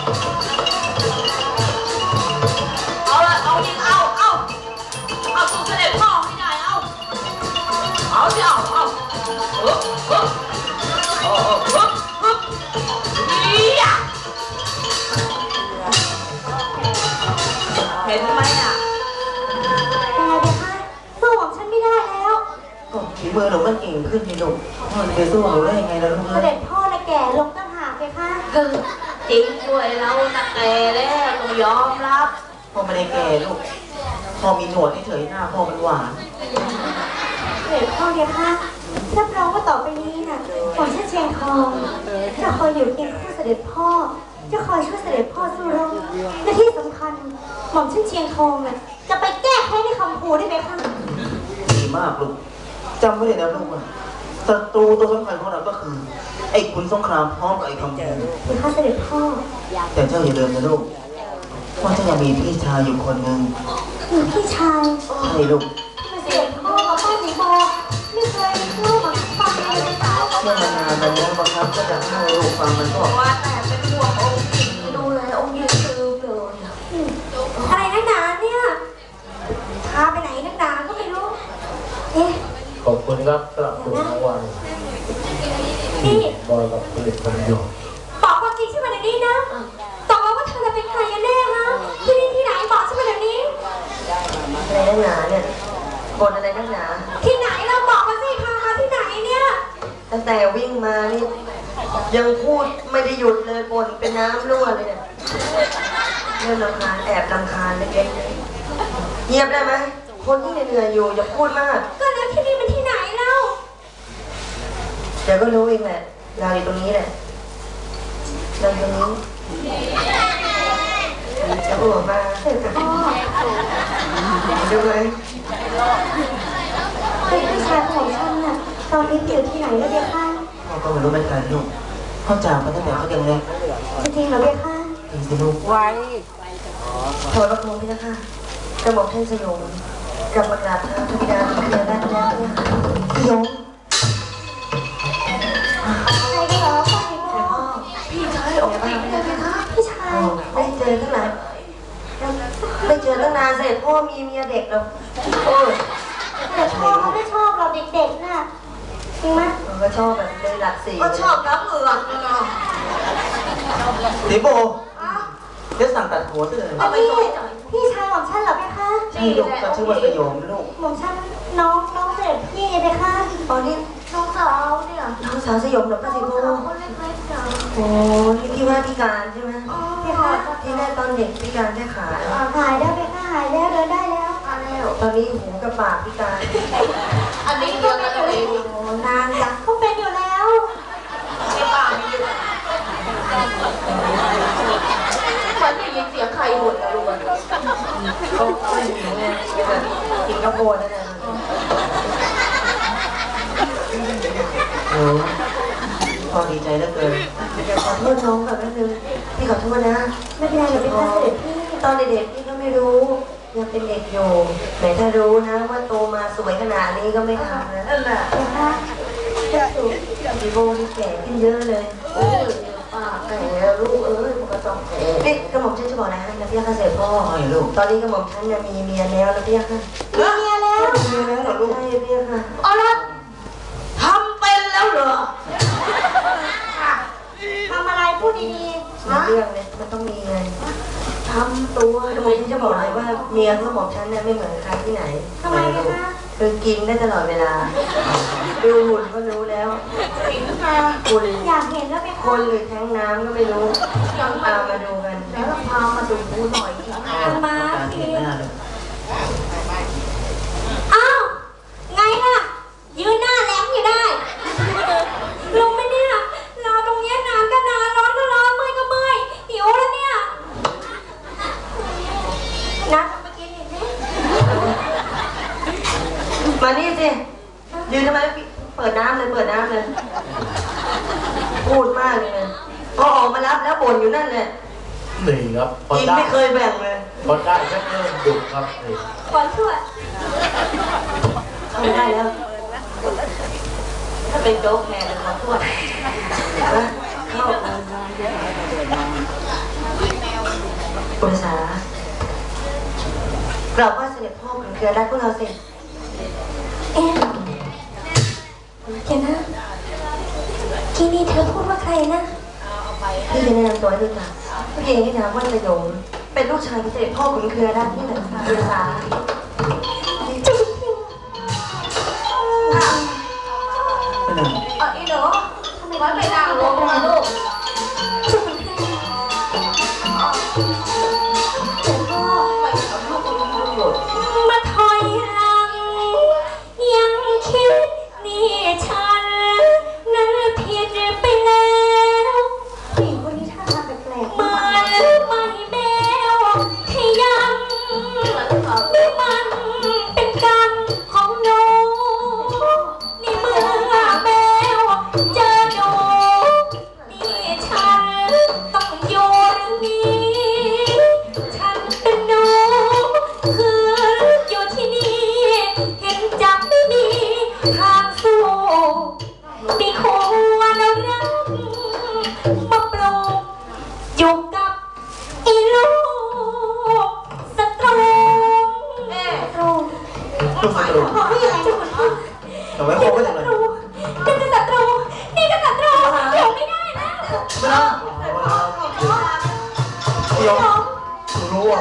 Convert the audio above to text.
เอาละเอาดิเอาสู่เสด็จพ่อให้ได้เอาสิเอาฮึบนี่อ่ะเห็นไหมอ่ะอะไรเด็กคะสู้ของฉันไม่ได้แล้วก็ฝีมือหนูมันเก่งขึ้นนี่ลูกมันไปสู้หนูได้ยังไงล่ะลูกเสด็จพ่อละแก่ลงตั้งหากเลยค่ะคือจริงด้วยเราตะแกแล้วต้องยอมรับพ่อไม่ได้แก่ลูกพ่อมีหนวดเฉยๆหน้าพ่อมันหวานเสด็จพ่อเนี่ยค่ะรับรองว่าต่อไปนี้น่ะผมชื่อเชียงทองจะคอยอยู่เคียงคู่เสด็จพ่อจะคอยช่วยเสด็จพ่อสู้รบและที่สำคัญหม่อมชื่อเชียงทองน่ะจะไปแก้แค้นในคำพูได้ไหมคะดีมากลูกจำไว้เลยนะลูกว่าศัตรูตัวสำคัญของเราก็คือไอ้ขุนสงครามพร้อมกับไอ้คำพูหรือคะเสด็จพ่อแต่เจ้าอย่าลืมนะลูกว่าเจ้ายังมีพี่ชายอยู่คนหนึ่งพี่ชายใช่ลูกเสด็จพ่อกับป้าสีบอกไม่เคยเล่ากับฟังเลยสาวเมื่อนานๆมาแล้วบางครั้งก็จะให้ลูกฟังมันก็ว่าแต่เป็นห่วงองค์หญิงดูแลองค์หญิงคือเลยอะไรนักหนาเนี่ยพาไปไหนนักหนาก็ไม่รู้เอ๊ะขอบคุณครับสำหรับคุณรางวัลที่บอยกับผลิตภัณฑ์อยู่บอกความจริงใช่ไหมเดี๋ยวนี้นะตกลงว่าเธอจะเป็นใครกันแน่ฮะที่นี่ที่ไหนบอกใช่ไหมเดี๋ยวนี้อะไรนักหนาเนี่ยบนอะไรนักหนาที่ไหนเราบอกมาสิพามาที่ไหนเนี่ยตั้งแต่วิ่งมานี่ยังพูดไม่ได้หยุดเลยบนเป็นน้ำรั่วเลยเนี่ยเรื่องรำคาญแอบรำคาญเล็กๆเงียบได้ไหมคนที่เหนื่อยอยู่อย่าพูดมากก็แล้วที่นี่มันที่ไหนเล่าเดี๋ยวก็รู้เองแหละเราอยู่ตรงนี้แหละเราตรงนี้จะออกมาเสร็จพ่อดูไหมเป็นพี่ชายของฉันน่ะตอนนี้อยู่ที่ไหนแล้วเบียร์ข้าพ่อก็ไม่รู้เหมือนกันลูกพ่อจากมาตั้งแต่เขายังเล็กจริงเหรอเบียร์ข้าจริงสิลูกไว้ถอดประโคมพี่นะคะกระบอกท่านสยมกลับมากราบเท้าพระบิดาพระบิดาได้แล้วเนี่ยสยมใครเหรอพ่อพี่ชายออกมาไม่ได้ไหมคะพี่ชายไม่เจอตั้งนานไม่เจอตั้งนานเสร็จพ่อมีเมียเด็กแล้วโอ้ยแต่พ่อเขาไม่ชอบเราเด็กๆน่ะจริงไหมก็ชอบแบบเลยหลักสี่ก็ชอบน้ำเหลืองเนาะดิโบเดี๋ยวสั่งตัดหัวซะเลยพี่ชายของฉันเหรอเบียร์ข้าใช่ลูกก็ชื่อว่าสยมลูกของฉันน้องเสร็จพี่เบียร์ข้าตอนนี้น้องสาวเนี่ยน้องสาวสยมเหรอป้าสิโบคนเล็กๆจ้ะโอ้ที่ว่าพิการใช่ไหมพี่ค่ะที่แรกตอนเด็กพิการแค่ขาหายแล้วเบียร์ข้าหายแล้วเดินได้แล้วตอนนี้หูกับปากพิการอันนี้เดียวกันเลยนานจังเขาเป็นอยู่แล้วไม่ป่าไม่อยู่มันได้ยินเสียงใครบ่นนะลูกก็ไม่หิวไงกินกระโปนนั่นแหละโอ้พอดีใจเหลือเกินขอโทษน้องแบบนั้นนึงพี่ขอโทษนะไม่เป็นไรเดี๋ยวไปพาเสด็จพี่ตอนเด็กๆพี่ก็ไม่รู้ยังเป็นเด็กอยู่แต่ถ้ารู้นะว่าโตมาสวยขนาดนี้ก็ไม่ทำนะนั่นแหละนะคะจะสูงดิโบนี่แก่ขึ้นเยอะเลยป้าแก่ลูกมันก็ต้องแก่นี่กระหม่อมฉันจะบอกนะนะพี่ข้าเสด็จพ่อลูกตอนนี้กระหม่อมฉันมีเมียแล้วนะพี่ข้ามีเมียแล้วเหรอลูกใช่พี่ค่ะอ๋อแล้วทำเป็นแล้วเหรอทำอะไรพูดดีๆเรื่องเนี่ยมันต้องมีไงทำตัวกระหม่อมฉันจะบอกเลยว่าเมียกระหม่อมฉันเนี่ยไม่เหมือนใครที่ไหนทำไมคะคือกินได้ตลอดเวลาดูหุ่นก็รู้แล้วคุณอยากเห็นแล้วไหมคะคนหรือแท้งน้ำก็ไม่รู้ตามมาดูกันแล้วพามาดูหน่อยมาทีอ้าวไงล่ะยืนหน้าแหลมอยู่ได้ลงไหมเนี่ยรอตรงนี้นานก็นานร้อนก็ร้อนเมื่อยก็เมื่อยหิวแล้วเนี่ยนะทำมากินอีกนิดมานี่สิยืนทำไมเปิดน้ำเลยพูดมากเลยพอออกมารับแล้วบ่นอยู่นั่นเลยหนีครับกินไม่เคยแบ่งเลยพอได้ชักเริ่มดุครับนี่ขอช่วยเข้าได้แล้วถ้าเป็นโจ๊กแทนเลยขอช่วยเข้าคุณสากราบไหว้เสด็จพ่อของเครือรักพวกเราสิเอ๊ะเดี๋ยวนะทีนี้เธอพูดว่าใครนะพี่จะแนะนำตัวให้รู้จักผู้หญิงที่นามว่าสยมเป็นลูกชายของเสด็จพ่อของเครือรักนี่แหละคุณสาอีหนูทำไมไม่นั่งลงล่ะลูกมาถอยหลังยังคิดนี่ฉันนั้นผิดไปแล้วผู้หญิงคนนี้ท่าทางแปลกๆมาไม่แมวให้ยังมันเป็นกรรมของหนูนี่เมื่อแมวเจอหนูนี่ฉันต้องอยู่หรือนี้ฉันเป็นหนูคืออยู่ที่นี่เห็นจับไม่มีทางสู้มีควรรักมาปลูกอยู่กับอีลูกศัตรูเอ๊ะศัตรูลูกศัตรู